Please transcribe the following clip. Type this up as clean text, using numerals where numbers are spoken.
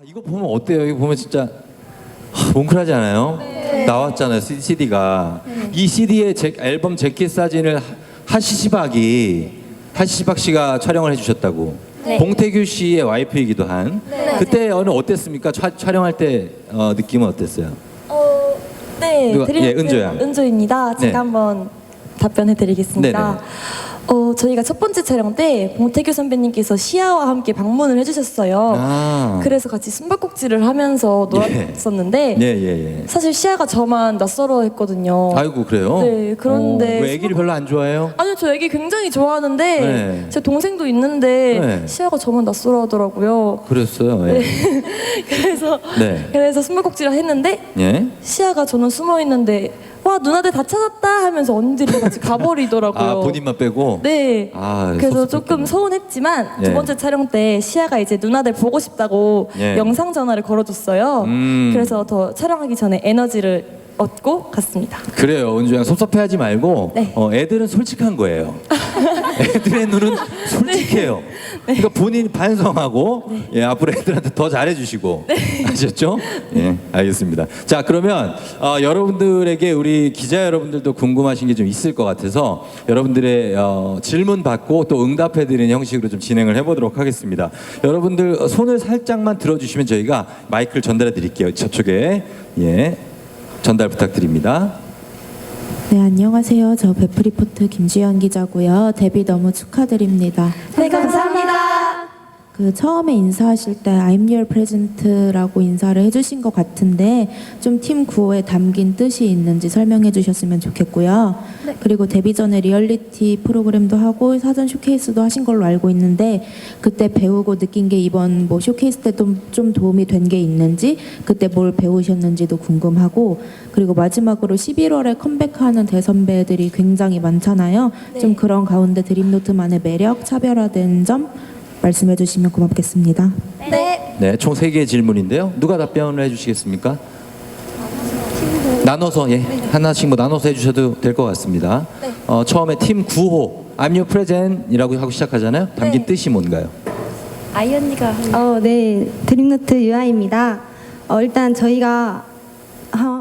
이거 보면 어때요? 이거 보면 진짜 뭉클하지 않아요? 네. 나왔잖아요, CD가. 이 CD의 앨범 재킷 사진을 하시시박 씨가 촬영을 해주셨다고. 네. 봉태규 씨의 와이프이기도 한. 네. 그때 어땠습니까? 촬영할 때 느낌은 어땠어요? 네, 누가- 예, 은조야. 은조입니다. 제가 네. 한번 답변해드리겠습니다. 네네. 저희가 첫 번째 촬영 때 봉태규 선배님께서 시아와 함께 방문을 해주셨어요. 아. 그래서 같이 숨바꼭질을 하면서 놀았었는데 예. 사실 시아가 저만 낯설어했거든요. 아이고, 그래요? 네, 그런데 왜 애기를 별로 안 좋아해요? 아니요, 저 애기 굉장히 좋아하는데 네. 제 동생도 있는데 네. 시아가 저만 낯설어하더라고요. 그랬어요. 예. 네. 그래서 숨바꼭질을 했는데 예. 시아가 저는 숨어 있는데 와 누나들 다 찾았다 하면서 언니들이 같이 가버리더라고요. 아, 본인만 빼고? 네. 아, 그래서 섭섭했겠네. 조금 서운했지만 예. 두 번째 촬영 때 시아가 이제 누나들 보고 싶다고 예. 영상 전화를 걸어줬어요. 음. 그래서 더 촬영하기 전에 에너지를 얻고 갔습니다. 그래요, 은주양 섭섭해하지 말고 네. 애들은 솔직한 거예요. 애들의 눈은 솔직해요. 그러니까 본인 반성하고 예, 앞으로 애들한테 더 잘해주시고 아셨죠? 예, 알겠습니다. 자, 그러면 여러분들에게 우리 기자 여러분들도 궁금하신 게 좀 있을 것 같아서 여러분들의 질문 받고 또 응답해드리는 형식으로 좀 진행을 해보도록 하겠습니다. 여러분들 손을 살짝만 들어주시면 저희가 마이크를 전달해드릴게요. 저쪽에 예. 전달 부탁드립니다. 네, 안녕하세요. 저 베프리포트 김주연 기자고요. 데뷔 너무 축하드립니다. 네, 감사합니다. 처음에 인사하실 때 I'm your present라고 인사를 해주신 것 같은데 좀 팀 구호에 담긴 뜻이 있는지 설명해 주셨으면 좋겠고요. 그리고 데뷔 전에 리얼리티 프로그램도 하고 사전 쇼케이스도 하신 걸로 알고 있는데 그때 배우고 느낀 게 이번 뭐 쇼케이스 때 좀 도움이 된 게 있는지 그때 뭘 배우셨는지도 궁금하고 그리고 마지막으로 11월에 컴백하는 대선배들이 굉장히 많잖아요. 네. 좀 그런 가운데 드림노트만의 매력, 차별화된 점 말씀해 주시면 고맙겠습니다. 네. 네, 총 3개의 질문인데요. 누가 답변을 해주시겠습니까? 나눠서 예, 하나씩 뭐 나눠서 해주셔도 될 것 같습니다. 네. 처음에 팀 9호 I'm your present이라고 하고 시작하잖아요. 담긴 네. 뜻이 뭔가요? 아이 언니가 네, 드림노트 유아입니다. 일단 저희가